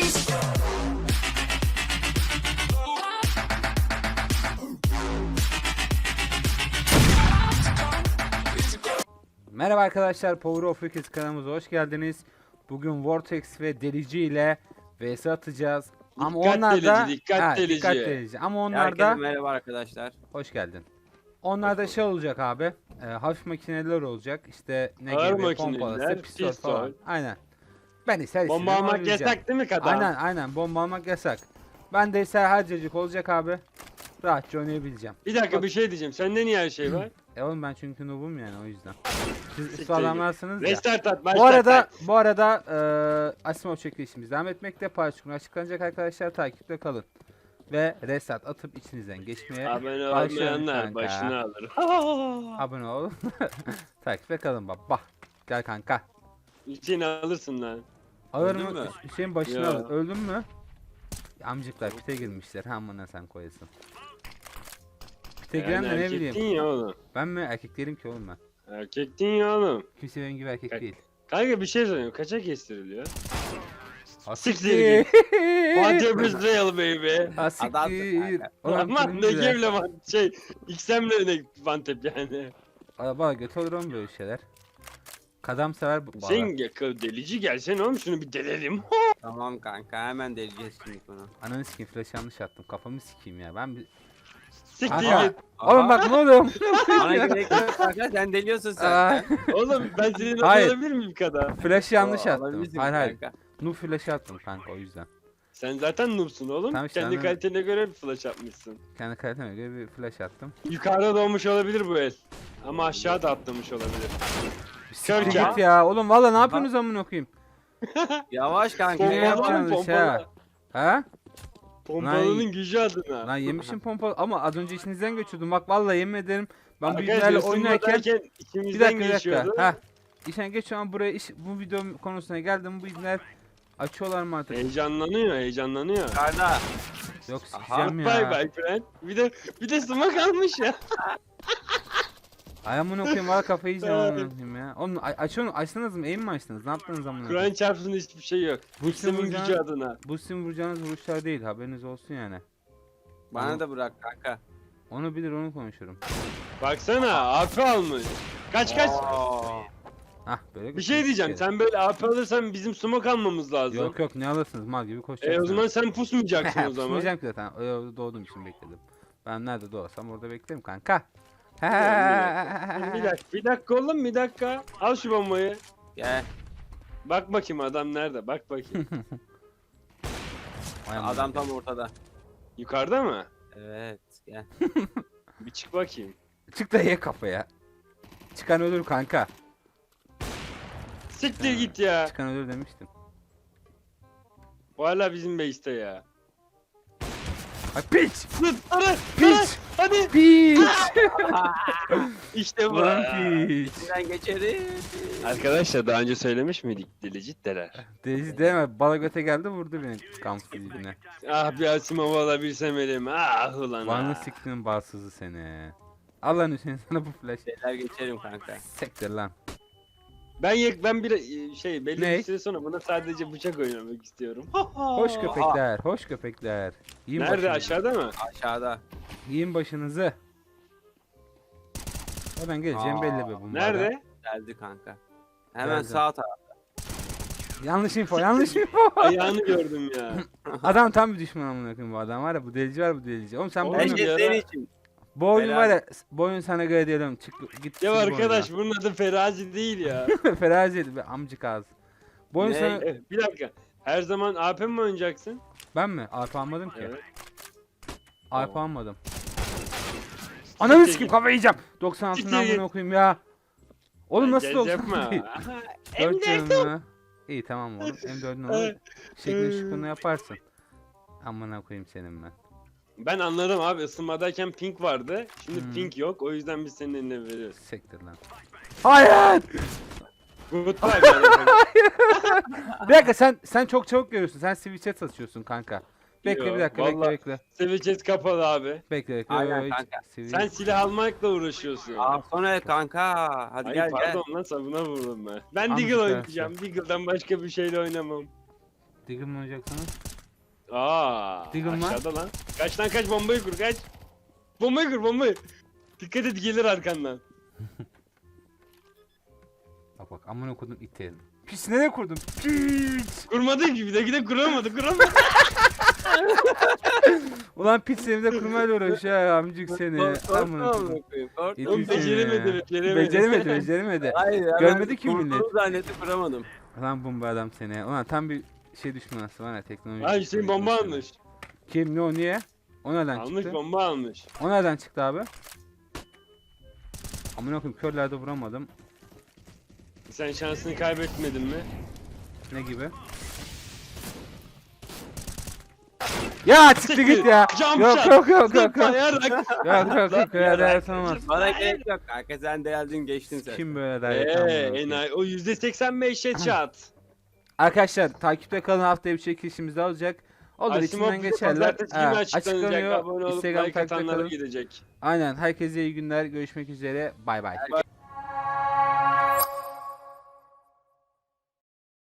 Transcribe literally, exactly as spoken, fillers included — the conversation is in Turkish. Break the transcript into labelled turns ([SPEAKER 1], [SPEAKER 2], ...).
[SPEAKER 1] Merhaba arkadaşlar, Power of Rockets kanalımıza hoş geldiniz. Bugün Vortex ve Delici ile vs atacağız. Ama
[SPEAKER 2] Dikkat
[SPEAKER 1] onlar da
[SPEAKER 2] delici, dikkat
[SPEAKER 1] ha,
[SPEAKER 2] delici.
[SPEAKER 1] dikkat delici. Ama onlar
[SPEAKER 3] Herkese
[SPEAKER 1] da
[SPEAKER 3] merhaba arkadaşlar.
[SPEAKER 1] hoş geldin. Onlar da şey olacak abi. E, hafif makineler olacak. İşte ne
[SPEAKER 2] Ağır
[SPEAKER 1] gibi
[SPEAKER 2] makineler,
[SPEAKER 1] pompalısı, pistol,
[SPEAKER 2] pistol.
[SPEAKER 1] falan. Aynen. Ben ise
[SPEAKER 2] Bomba almak yasak değil mi kadar?
[SPEAKER 1] Aynen aynen bomba almak yasak. Ben de ise harcacık olacak abi. Rahatça oynayabileceğim.
[SPEAKER 2] Bir dakika bir şey diyeceğim. Sende niye her şey var?
[SPEAKER 1] E oğlum ben çünkü noob'um yani o yüzden. Siz
[SPEAKER 2] Siktir
[SPEAKER 1] usta adamlarsınız ya.
[SPEAKER 2] Restart at,
[SPEAKER 1] Bu
[SPEAKER 2] başlat.
[SPEAKER 1] arada bu arada eee Asimov çekilişimiz devam etmekte. Paylaşımlar açıklanacak arkadaşlar, takipte kalın. Ve reset atıp içinizden geçmeye
[SPEAKER 2] Abone
[SPEAKER 1] başlayalım
[SPEAKER 2] olmayanlar
[SPEAKER 1] kanka.
[SPEAKER 2] başını alır.
[SPEAKER 1] Abone ol. Takipte kalın baba. Gel kanka.
[SPEAKER 2] Hüseyin alırsın lan.
[SPEAKER 1] Alır
[SPEAKER 3] Öldün
[SPEAKER 1] mı?
[SPEAKER 3] mü?
[SPEAKER 1] Hüseyin başını
[SPEAKER 2] Ya.
[SPEAKER 1] alır. Öldün mü? Amcıklar pite girmişler. Hamına sen koyasın. Pite giren
[SPEAKER 2] Yani
[SPEAKER 1] de ne
[SPEAKER 2] erkektin
[SPEAKER 1] bileyim.
[SPEAKER 2] ya oğlum.
[SPEAKER 1] Ben mi? Erkek değilim ki oğlum ben.
[SPEAKER 2] Erkektin ya oğlum.
[SPEAKER 1] Kimse benim gibi erkek
[SPEAKER 2] Kaç-
[SPEAKER 1] değil.
[SPEAKER 2] Kanka bir şey söyleyeyim. Kaça kestiriliyor?
[SPEAKER 1] Asiktir.
[SPEAKER 2] Siktir What up is real baby?
[SPEAKER 1] Asiktir.
[SPEAKER 3] kanka.
[SPEAKER 1] Oğlum
[SPEAKER 2] Aman ne
[SPEAKER 1] turuncular.
[SPEAKER 2] gevle van şey. X M'le ne vantep yani.
[SPEAKER 1] Araba götü olur mu böyle şeyler? Kadam sever bu.
[SPEAKER 2] Sen gel- delici gelsene oğlum şunu bir delelim.
[SPEAKER 3] Tamam kanka hemen deleceğiz şimdi bunu.
[SPEAKER 1] Ananı sikeyim, flash yanlış attım. Kafamı sikeyim ya. Ben bir...
[SPEAKER 2] Siktir
[SPEAKER 1] Kanka.
[SPEAKER 2] git.
[SPEAKER 1] Oğlum bak ne oluyor?
[SPEAKER 3] Bana gerek yok kanka sen deliyorsun
[SPEAKER 1] Aa,
[SPEAKER 3] sen.
[SPEAKER 2] Oğlum ben senin
[SPEAKER 1] Hayır.
[SPEAKER 2] alabilir miyim kadar?
[SPEAKER 1] Flash yanlış
[SPEAKER 3] Oo,
[SPEAKER 1] attım.
[SPEAKER 3] alabilirsin
[SPEAKER 1] Hayır hayır.
[SPEAKER 3] kanka.
[SPEAKER 1] Nu flash attım kanka o yüzden.
[SPEAKER 2] Sen zaten noobsun oğlum.
[SPEAKER 1] Tamam işte,
[SPEAKER 2] Kendi
[SPEAKER 1] anladım.
[SPEAKER 2] kalitene göre bir flash atmışsın.
[SPEAKER 1] Kendi kaliteme göre bir flash attım.
[SPEAKER 2] Yukarıda doğmuş olabilir bu el. Ama aşağı da atlamış olabilir.
[SPEAKER 1] Siktir
[SPEAKER 2] Körke.
[SPEAKER 1] git ya. Oğlum valla ne yapıyorsunuz amına koyayım?
[SPEAKER 3] Yavaş kanka.
[SPEAKER 1] Ne
[SPEAKER 2] Pompalı
[SPEAKER 3] yavaş.
[SPEAKER 2] mı
[SPEAKER 1] yapacaksınız ha?
[SPEAKER 2] pompalı?
[SPEAKER 1] Ha?
[SPEAKER 2] Pompalının gücü adına.
[SPEAKER 1] Lan yemişim pompalı ama az önce içinizden geçiyordum. Bak valla yemin ederim ben bu
[SPEAKER 2] Arkadaşlar
[SPEAKER 1] ibnelerle oynarken
[SPEAKER 2] ısınmadayken
[SPEAKER 1] bir
[SPEAKER 2] içimizden
[SPEAKER 1] dakika bir dakika.
[SPEAKER 2] geçiyordu.
[SPEAKER 1] Ha. İşten geç şu an buraya iş, bu video konusuna geldim. Bu ibneler açıyorlar mı artık?
[SPEAKER 2] Heyecanlanıyor, heyecanlanıyor.
[SPEAKER 3] Yukarıda.
[SPEAKER 1] Yok
[SPEAKER 3] Aha,
[SPEAKER 1] sikeceğim
[SPEAKER 2] Bye
[SPEAKER 1] ya.
[SPEAKER 2] bye friend. Bir de bir de smoke almış ya.
[SPEAKER 1] Ay amına koyayım valla kafayı yiyeceğim amına koyayım ya. Oğlum a- açıyorsun açtınız mı? Aim mi açtınız? Ne yaptınız amına koyayım?
[SPEAKER 2] Kur'an çarpsın hiçbir şey yok.
[SPEAKER 1] Bu
[SPEAKER 2] İslam'ın
[SPEAKER 1] sizin
[SPEAKER 2] gücü
[SPEAKER 1] vuracağınız,
[SPEAKER 2] adına.
[SPEAKER 1] bu sizin vuracağınız vuruşlar değil, haberiniz olsun yani.
[SPEAKER 3] Bana da bırak kanka.
[SPEAKER 1] Onu bilir onu konuşurum.
[SPEAKER 2] Baksana A P almış. Kaç kaç.
[SPEAKER 3] Oo.
[SPEAKER 1] Hah böyle
[SPEAKER 2] Bir şey diyeceğim. Sen böyle A P alırsan bizim smoke almamız lazım.
[SPEAKER 1] Yok yok ne alırsınız mal gibi koşacaksınız.
[SPEAKER 2] E o zaman sen pusmayacaksın o zaman.
[SPEAKER 1] Pusmayacağım ki zaten. Öyle doğduğum için bekledim. Ben nerede doğarsam orada beklerim kanka.
[SPEAKER 2] Bir dakika, bir dakika oğlum bir dakika. Al şu bombayı.
[SPEAKER 3] Gel.
[SPEAKER 2] Bak bakayım adam nerede? Bak bakayım.
[SPEAKER 1] Vay amına
[SPEAKER 3] Adam
[SPEAKER 1] koyayım.
[SPEAKER 3] tam ortada.
[SPEAKER 2] Yukarıda mı?
[SPEAKER 3] Evet gel.
[SPEAKER 2] Bir çık bakayım.
[SPEAKER 1] Çık da ye kafaya. Çıkan ölür kanka.
[SPEAKER 2] Siktir
[SPEAKER 1] Ha.
[SPEAKER 2] git ya.
[SPEAKER 1] Çıkan ölür demiştim.
[SPEAKER 2] Bu hala bizim base'te ya.
[SPEAKER 1] Ay piç!
[SPEAKER 2] Dur, hadi,
[SPEAKER 1] Piç!
[SPEAKER 2] hadi.
[SPEAKER 1] Piç!
[SPEAKER 2] İşte bu.
[SPEAKER 1] Ulan piç!
[SPEAKER 3] İçinden geçeriz.
[SPEAKER 2] Arkadaşlar daha önce söylemiş miydik delici deler.
[SPEAKER 1] Deniz deme, bala göte geldi vurdu beni kampüs dibine.
[SPEAKER 2] Ah bir Asimov alabilsem elim. Ah ulan
[SPEAKER 1] Vanlı
[SPEAKER 2] ah.
[SPEAKER 1] siktiğinin bağsızı seni. Al lan Hüseyin sana bu flash.
[SPEAKER 3] Şeyler geçerim kanka.
[SPEAKER 1] Sektir lan.
[SPEAKER 2] Ben yek ben bir şey belli
[SPEAKER 1] Ne?
[SPEAKER 2] bir süre sonra buna sadece bıçak oynamak istiyorum.
[SPEAKER 1] Hoş köpekler, hoş köpekler. Yiyin
[SPEAKER 2] Nerede
[SPEAKER 1] başınızı.
[SPEAKER 2] aşağıda mı?
[SPEAKER 3] Aşağıda.
[SPEAKER 1] Yiyin başınızı. Oradan geleceğim
[SPEAKER 3] Aa,
[SPEAKER 1] belli be bunlardan.
[SPEAKER 2] Nerede?
[SPEAKER 3] Geldi kanka. Hemen
[SPEAKER 1] Geldi.
[SPEAKER 3] sağ taraf.
[SPEAKER 1] Yanlış info, yanlış info.
[SPEAKER 2] Ayağını gördüm ya.
[SPEAKER 1] Adam tam bir düşman amına koyayım bu adam var ya, bu delici var bu delici. Oğlum sen bu
[SPEAKER 2] Oğlum
[SPEAKER 1] oyunu,
[SPEAKER 3] Bence
[SPEAKER 2] ya.
[SPEAKER 3] senin için.
[SPEAKER 1] bu oyun
[SPEAKER 3] Helal.
[SPEAKER 1] var ya, bu oyun sana göre diyelim. Çık git.
[SPEAKER 2] Ya
[SPEAKER 1] sil bu
[SPEAKER 2] arkadaş bunun adı Ferazi değil ya.
[SPEAKER 1] oyunu. Ferazi be amcık ağzı. Bu oyun
[SPEAKER 3] Ne?
[SPEAKER 1] sana...
[SPEAKER 2] Eh, bir dakika. Her zaman A P mi oynayacaksın?
[SPEAKER 1] Ben mi? A P almadım ki.
[SPEAKER 2] Evet.
[SPEAKER 1] A P
[SPEAKER 2] Tamam.
[SPEAKER 1] almadım. Ananı
[SPEAKER 2] Siktir
[SPEAKER 1] sikeyim
[SPEAKER 2] git.
[SPEAKER 1] kafayı yiyeceğim. doksan altı
[SPEAKER 2] Siktir
[SPEAKER 1] amına
[SPEAKER 2] git.
[SPEAKER 1] koyayım ya. Oğlum nasıl
[SPEAKER 2] Gez
[SPEAKER 1] doksan
[SPEAKER 2] yapma.
[SPEAKER 1] altı değil?
[SPEAKER 2] Aha,
[SPEAKER 1] dört
[SPEAKER 2] M dört.
[SPEAKER 1] canım mı? İyi tamam oğlum. M dördün olur.
[SPEAKER 2] Evet.
[SPEAKER 1] Şeklini şıkkını yaparsın. Amına koyayım senin ben.
[SPEAKER 2] Ben anladım abi ısınmadayken pink vardı. Şimdi
[SPEAKER 1] Hmm.
[SPEAKER 2] pink yok. O yüzden biz senin eline veriyoruz.
[SPEAKER 1] Sektir lan. Hayır!
[SPEAKER 2] Goodbye. yani.
[SPEAKER 1] Bir dakika sen sen çok çabuk görüyorsun. Sen switch'e satıyorsun kanka. Bekle
[SPEAKER 2] Yo,
[SPEAKER 1] bir dakika
[SPEAKER 2] vallahi-
[SPEAKER 1] bekle bekle.
[SPEAKER 2] Seveceğiz kapalı abi.
[SPEAKER 1] Bekle bekle.
[SPEAKER 3] Aynen
[SPEAKER 1] Yo,
[SPEAKER 3] kanka.
[SPEAKER 1] switch-
[SPEAKER 2] Sen silah almakla uğraşıyorsun.
[SPEAKER 3] Aa sonra kanka. Hadi
[SPEAKER 2] Ay
[SPEAKER 3] gel gel.
[SPEAKER 2] pardon lan sabuna vurdum ben. Ben
[SPEAKER 1] Amca
[SPEAKER 2] Deagle
[SPEAKER 1] dersi.
[SPEAKER 2] oynayacağım. Deagle'dan başka bir şeyle oynamam.
[SPEAKER 1] Diggle mi oynayacaksınız?
[SPEAKER 2] Aa,
[SPEAKER 1] Diggle mı?
[SPEAKER 2] aşağıda lan. Kaç lan kaç, bombayı kur kaç. Bombayı kur bombayı. Dikkat et, gelir arkandan.
[SPEAKER 1] Bak bak amına kodum iterim. Pis nereye kurdum? Pis.
[SPEAKER 2] Kurmadın gibi de gide kuramadı kuramadı.
[SPEAKER 1] Ulan pis seni de kurmayla uğraşıyor ya amcık seni.
[SPEAKER 3] Korkma
[SPEAKER 1] Amına kodum.
[SPEAKER 3] amına koyayım, korkma.
[SPEAKER 1] Yedi
[SPEAKER 2] Oğlum
[SPEAKER 1] yüz seni
[SPEAKER 2] beceremedi
[SPEAKER 1] ya.
[SPEAKER 2] beceremedi.
[SPEAKER 1] Beceremedi beceremedi.
[SPEAKER 3] Hayır, hemen
[SPEAKER 1] Görmedi ki millet.
[SPEAKER 3] kurduğunu zannedip vuramadım.
[SPEAKER 1] Ulan bomba adam seni. Ulan tam bir şey düşmanısı var ya teknoloji.
[SPEAKER 2] Ay Hüseyin bomba
[SPEAKER 1] düşmanı.
[SPEAKER 2] almış.
[SPEAKER 1] Kim ne o niye? O nereden
[SPEAKER 2] Almış
[SPEAKER 1] çıktı?
[SPEAKER 2] bomba almış.
[SPEAKER 1] O nereden çıktı abi? Amına koyayım körlerde vuramadım.
[SPEAKER 2] Sen şansını kaybetmedin mi?
[SPEAKER 1] Ne gibi? Ya çıktı git ya.
[SPEAKER 2] Jump
[SPEAKER 1] Yok
[SPEAKER 2] shot.
[SPEAKER 1] yok yok yok yok.
[SPEAKER 2] Zıplayarak.
[SPEAKER 1] Yok yok yok öyle ders olmaz.
[SPEAKER 3] Bana gerek yok kanka, sen de geldin geçtin sen.
[SPEAKER 1] Kim böyle
[SPEAKER 2] Eee
[SPEAKER 1] ders
[SPEAKER 2] enayi, o yüzde seksen beş headshot.
[SPEAKER 1] Arkadaşlar takipte kalın, haftaya bir çekilişimiz daha olacak. Olur
[SPEAKER 2] Asimov
[SPEAKER 1] içinden
[SPEAKER 2] bize
[SPEAKER 1] geçerler.
[SPEAKER 2] pazartesi günü
[SPEAKER 1] Ha,
[SPEAKER 2] açıklanacak.
[SPEAKER 1] açıklanıyor.
[SPEAKER 2] Abone olup
[SPEAKER 1] Instagram
[SPEAKER 2] like
[SPEAKER 1] takipte
[SPEAKER 2] atanlara
[SPEAKER 1] kalın.
[SPEAKER 2] gidecek.
[SPEAKER 1] Aynen herkese iyi günler. Görüşmek üzere. Bay bay.